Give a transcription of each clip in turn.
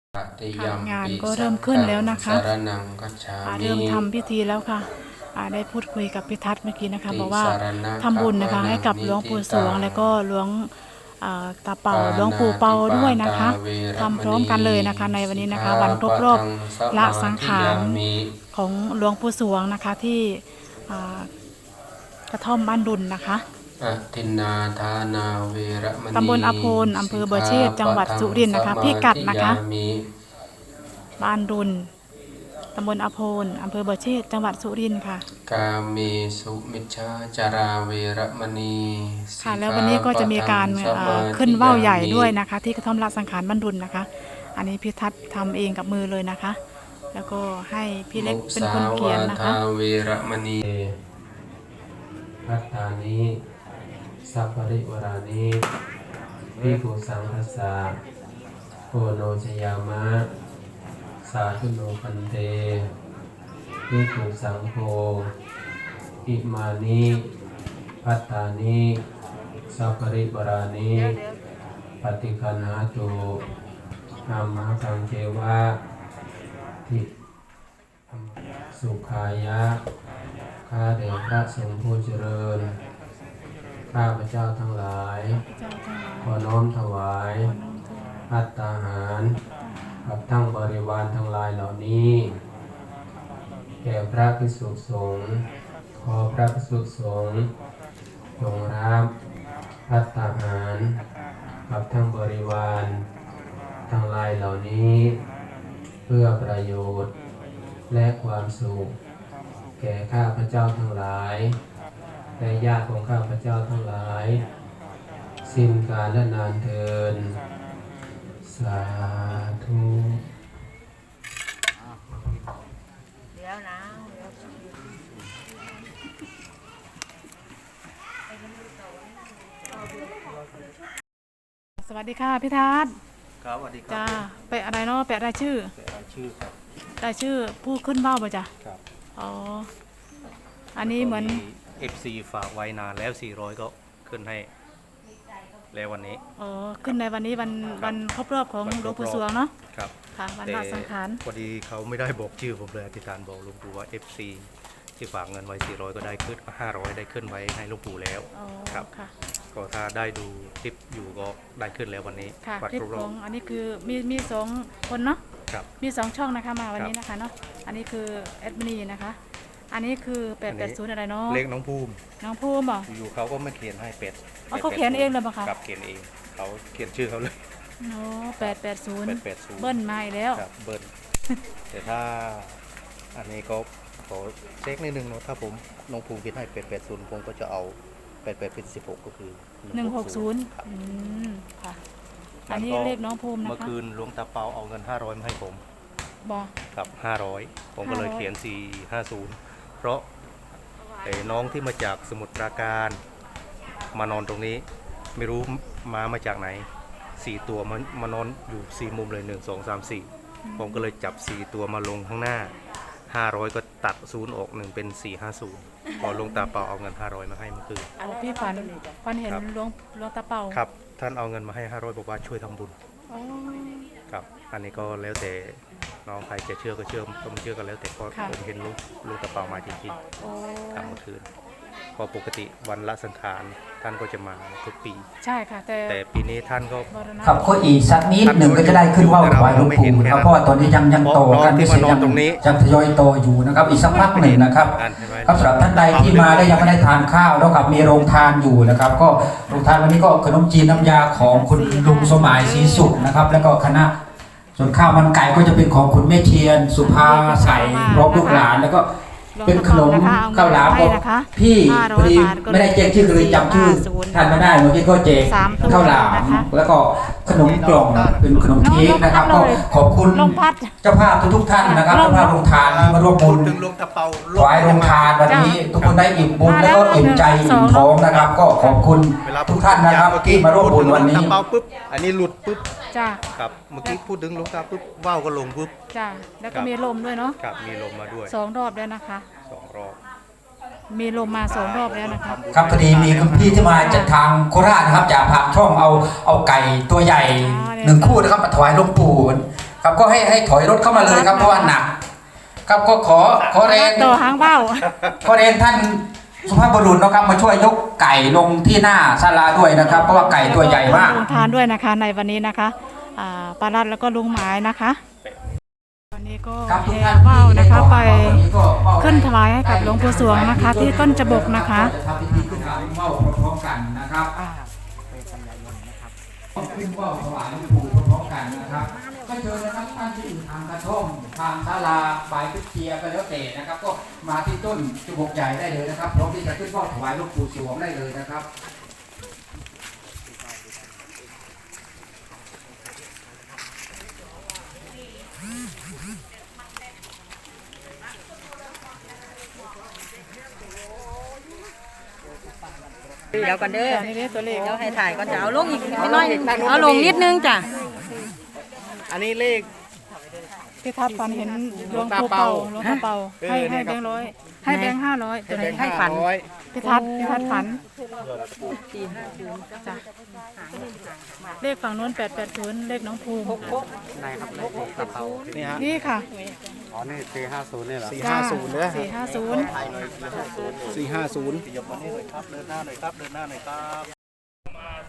งานก็เริ่มขึ้นแล้วนะคะเริ่มทำพิธีแล้วค่ะได้พูดคุยกับพิทัศน์เมื่อกี้นะคะบอกว่าทำบุญนะคะให้กับหลวงปู่สวงแล้วก็หลวงตาเป่าหลวงปู่เปาด้วยนะคะทำพร้อมกันเลยนะคะในวันนี้นะคะวันครบรอบละสังขารของหลวงปู่สวงนะคะที่กระท่อมบ้านดุลนะคะตำบลอโพนอำเภอเบอร์เชษจังหวัดสุรินทร์นะคะพิกัดนะคะบ้านดุลตำบลอโพนอำเภอเบอร์เชษจังหวัดสุรินทร์ค่ะกาเมสุมิชฌาจาราเวรมณีค่ะแล้ววันนี้ก็จะมีการขึ้นว่าวใหญ่ด้วยนะคะที่กระท่อมละสังขารบ้านดุลนะคะอันนี้พี่ทัศน์ทำเองกับมือเลยนะคะแล้วก็ให้พี่เล็กเป็นคนเขียนนะคะเวรมณีพัฒานิสัพพริวรานิภิกขุสังฆสสะโกโนชยามะสาธุโนพันเตภิกขุสังโฆอิมานิพัฒานิสัพพริวรานิปฏิคันหาตุธรรมะสังเจวะทิสุขายะข้าเดชพระสงฆ์ผู้เจริญข้าพเจ้าทั้งหลายขอน้อมถวายภัตตาหารกับทั้งบริวารทั้งหลายเหล่านี้แก่พระภิกษุสงฆ์ขอพระภิกษุสงฆ์จงรับภัตตาหารกับทั้งบริวารทั้งหลายเหล่านี้เพื่อประโยชน์และความสุขแก่ข้าพเจ้าทั้งหลายและญาติของข้าพเจ้าทั้งหลายสิ้นกาลและนานเทินสาธุสวัสดีค่ะพี่ทัศน์ครับสวัสดีครับจ้าไปอะไรเนาะแปะรายชื่อครับรายชื่อผู้ขึ้นว่าวป่ะจ้ะครับอ๋ออันนี้เหมือน FC ฝากไว้นานแล้ว400ก็ขึ้นให้แล้ววันนี้อ๋อขึ้นในวันนี้วันครบรอบของหลวงปู่สวงเนาะครับค่ะวันละสังขารพอดีเขาไม่ได้บอกชื่อผมเลยอธิษฐานบอกหลวงปู่ว่า FC ที่ฝากเงินไว้400ก็ได้ขึ้น500ได้ขึ้นไว้ให้หลวงปู่แล้วครับก็ถ้าได้ดูคลิปอยู่ก็ได้ขึ้นแล้ววันนี้ค่ะคลิปของอันนี้คือมี2คนเนาะครับมี2ช่องนะคะมาวันนี้นะคะเนาะอันนี้คือแอดมินีนะคะอันนี้คือ880อะไรเนาะเลขน้องภูมิเหรออยู่เขาก็ไม่เขียนให้เป็ดเขาเขียนเองเลยป่ะคะครับเขียนเองเขาเขียนชื่อเขาเลยโอ้880เบิ้ลมาอีกแล้วครับเบิ้ลแต่ถ้าอันนี้ก็ขอเช็คนิดนึงเนาะถ้าผมน้องภูมิคิดให้880ผมก็จะเอา88เป็น16ก็คือ 160ค่ะอันนี้เลขน้องภูมินะคะเมื่อคืนหลวงตาเปาเอาเงิน500มาให้ผมบอกครับ500ผมก็เลยเขียน450เพราะน้องที่มาจากสมุทรปราการมานอนตรงนี้ไม่รู้มาจากไหน4ตัวมานอนอยู่4มุมเลย1 2 3 4ผมก็เลยจับ4ตัวมาลงข้างหน้า500ก็ตัด0ออก1เป็น450พอหลวงตาเปาเอาเงิน500มาให้เมื่อคืนพี่ฝันเห็นหลวงตาเปาครับท่านเอาเงินมาให้500บอกว่าช่วยทำบุญครับอันนี้ก็แล้วแต่น้องใครจะเชื่อก็เชื่อไม่เชื่อก็แล้วแต่ก็ผมเห็นลูกตาเปามาจริงๆครับเมื่อคืนพอปกติวันละสังขารท่านก็จะมาทุกปีใช่ค่ะแต่ปีนี้ท่านก็ครับก็อีกสักนิดหนึ่งก็จะได้ขึ้นว่าวถวายหลวงปู่ครับเพราะว่าตอนนี้ยังโตกันไม่เสร็จยังทยอยโตอยู่นะครับอีกสักพักหนึ่งนะครับครับสำหรับท่านใดที่มาได้ยังไม่ได้ทานข้าวแล้วกับมีโรงทานอยู่นะครับก็โรงทานวันนี้ก็ขนมจีนน้ำยาของคุณลุงสมัยศรีสุขนะครับแล้วก็คณะส่วนข้าวมันไก่ก็จะเป็นของคุณแม่เทียนสุภาใสพร้อมลูกหลานแล้วก็เป็นขนมข้าวหลามของพี่พอดีไม่ได้แจ้งชื่อเลยจำชื่อท่านไม่ได้เมื่อกี้ก็แจกข้าวหลามแล้วก็ขนมกล่องเป็นขนมเค้กนะครับก็ขอบคุณเจ้าภาพทุกท่านนะครับเจ้าภาพโรงทานที่มาร่วมบุญถวายโรงทานวันนี้ทุกคนได้อิ่มบุญแล้วก็อิ่มใจอิ่มท้องนะครับก็ขอบคุณทุกท่านนะครับที่มาร่วมบุญวันนี้อันนี้หลุดปุ๊บจ้าครับเมื่อกี้พูดถึงหลวงตาปุ๊บว่าวก็ลงปุ๊บจ้าแล้วก็มีลมด้วยเนาะครับมีลมมาด้วย 2 รอบแล้วนะคะ 2 รอบมีลมมา2 รอบแล้วนะคะครับพอดีมีคุณพี่ที่มาจากทางโคราชนะครับจากผ่านช่องเอาไก่ตัวใหญ่1 คู่นะครับมาถวายหลวงปู่ครับก็ให้ถอยรถเข้ามาเลยครับเพราะว่าหนักครับก็ขอแรงต่อหางเบ้าขอเรียนท่านสุภาพบุรุษนะครับมาช่วยยกไก่ลงที่หน้าศาลาด้วยนะครับเพราะว่าไก่ตัวใหญ่มากลงทานด้วยนะคะในวันนี้นะคะปารัดแล้วก็ลุงหมายนะคะวันนี้ก็ครับทุกแห่ท่านเบ้านะคะไปวันนี้ก็เบ้าขึ้นถวายให้กับหลวงปู่สวงนะคะ ที่ต้นจบกนะคะจะทำพิธีขึ้นเบ้าพร้อมๆกันนะครับขึ้นเบ้าถวายหลวงปู่พร้อมๆกันนะครับก็เชิญนะครับท่านที่อยู่ทางกระท่อมทางศาลาบายพิเทียก็แล้วแต่นะครับก็มาที่ต้นจุบกใหญ่ได้เลยนะครับพร้อมที่จะขึ้นเบ้าถวายหลวงปู่สวงได้เลยนะครับเดี๋ยวกันเด้อนี่เรียกตัวเลขเดี๋ยวให้ถ่ายก่อนจะเอาลงอีกไม่น้อยเอาลงนิดนึงจ้ะอันนี้เลขพี่ทัศน์ฝันเห็นหลวงปู่เป่าหลวงปู่เป่าให้แบงค์100ให้แบงค์500ตัวไหนให้ฝันพี่ทัศน์ฝันจ้ะเลขฝั่งโน้น880เลขน้องภูมินี่ฮะนี่ค่ะอ๋อนี่450นี่เหรอจ้า 450เนี่ย 450 450ยกมานี่หน่อยครับเดินหน้าหน่อยครับเดินหน้าหน่อยครับ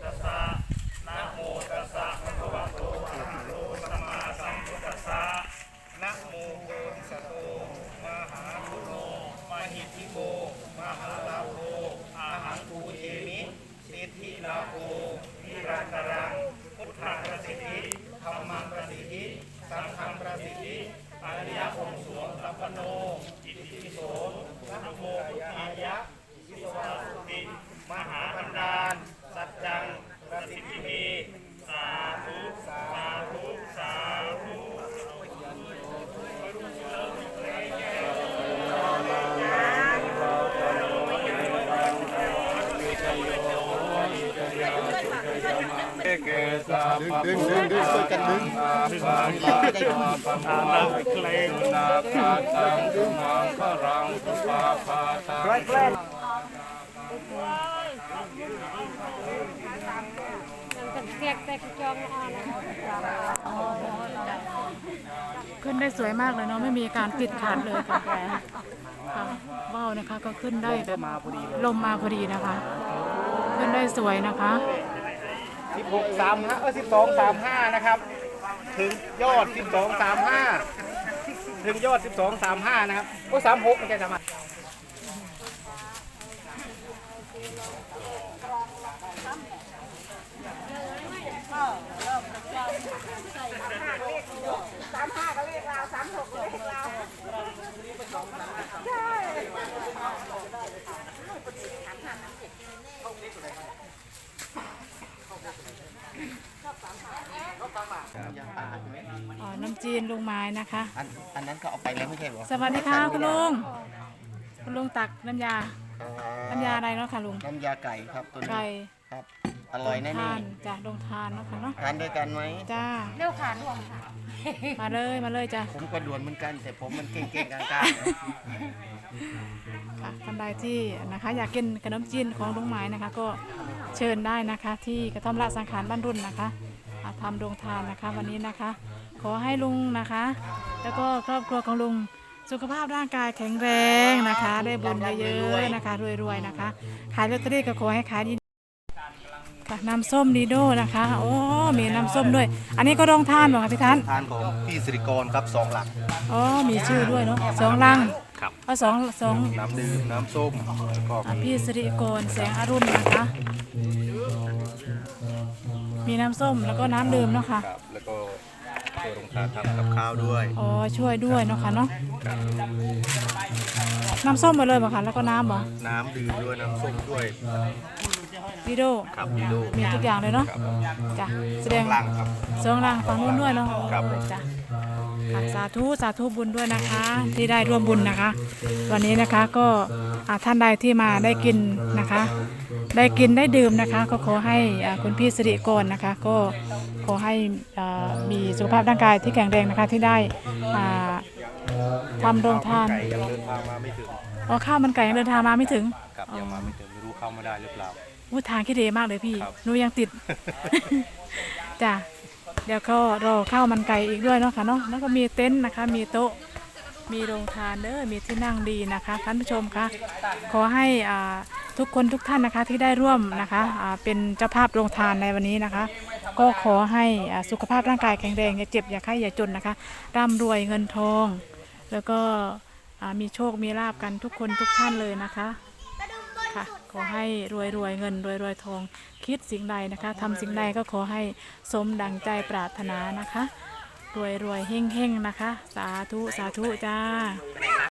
ดึงช่วยกันดึงขึ้นได้สวยมากเลยเนาะไม่มีการติดขัดเลยค่ะค่ะว่าวนะคะก็ขึ้นได้แบบลมมาพอดีนะคะ ขึ้นได้สวยนะคะ 1235นะครับถึงยอด1235ถึงยอด1235นะครับโอ้36ไม่ใช่35 น้ำจีนลุงไม้นะคะอันนั้นก็เอาไปแล้วไม่ใช่หรอสวัสดีค่ะคุณลุงตักน้ำยาอะไรเนาะค่ะลุงน้ำยาไก่ครับตัวนี้ไก่ครับ อร่อยแน่ทานจ้ะลงทานเนาะค่ะเนาะทานด้วยกันไหมจ้าเร็วขาดรวมค่ะมาเลยจ้ะผมก็ด่วนเหมือนกัน แต่ผมมันเก่งๆกลางค่ะท่านใดที่นะคะอยากกินขนมจีนของลุงไม้นะคะ ก็เชิญได้นะคะ ที่กระท่อมละสังขารบ้านรุ่นนะคะทำโรงทานนะคะวันนี้นะคะ ขอให้ลุงนะคะ แล้วก็ครอบครัวของลุงสุขภาพร่างกายแข็งแรงนะคะ ได้บุญเยอะๆนะคะรวยๆนะคะ ขายลอตเตอรี่ก็ขอให้ขายดีค่ะน้ำส้มดีโดนะคะโอ้มีน้ำส้มด้วย อันนี้ก็โรงทานเหรอคะพี่ทันๆทานของพี่สิริกรครับ2 หลักอ๋อมีชื่อด้วยเนาะ2 ลังครับเอาสองน้ำดื่มน้ำส้มแล้วก็มีพี่สิริกรแสงอรุณนะคะ มีน้ำส้มแล้วก็น้ำดื่มเนาะค่ะครับแล้วก็ช่วยโรงทานทำกับข้าวด้วยอ๋อช่วยด้วยเนาะค่ะเนาะน้ำส้มมาเลยบ่ค่ะแล้วก็น้ำบ่น้ำดื่มด้วยน้ำส้มด้วยดีโดครับดีดูมีทุกอย่างเลยเนาะจ้ะแสดงหลังครับ 2 ลังฝั่งนู้นด้วยเนาะครับจ้ะค่ะสาธุบุญด้วยนะคะ ที่ได้ร่วมบุญนะคะ วันนี้นะคะก็ท่านใดที่มาได้กินนะคะ ได้กินได้ดื่มนะคะ ก็ขอให้คุณพี่สิริกรนะคะ ก็ขอให้มีสุขภาพร่างกายที่แข็งแรงนะคะที่ได้ทำโรงทานไก่ยังเดินทางมาไม่ถึงอ๋อข้าวมันไก่ยังเดินทางมาไม่ถึงครับยังมาไม่ถึงไม่รู้เข้ามาได้หรือเปล่าทางขี้เดมากเลยพี่ครับหนูยังติด จ้ะเดี๋ยวก็รอข้าวมันไก่อีกด้วยเนาะค่ะเนาะแล้วก็มีเต็นท์นะคะมีโต๊ะมีโรงทานเด้อมีที่นั่งดีนะคะท่านผู้ชมคะขอให้ทุกคนทุกท่านนะคะที่ได้ร่วมนะคะเป็นเจ้าภาพโรงทานในวันนี้นะคะ ก็ขอให้สุขภาพร่างกายแข็งแรงอย่าเจ็บอย่าไข้อย่าจนนะคะร่ำรวยเงินทอง แล้วก็มีโชคมีลาบกันทุกคนทุกท่านเลยนะคะค่ะขอให้รวยเงินรวยทองคิดสิ่งใดนะคะทำสิ่งใดก็ขอให้สมดังใจปรารถนานะคะรวยเฮงนะคะสาธุจ้า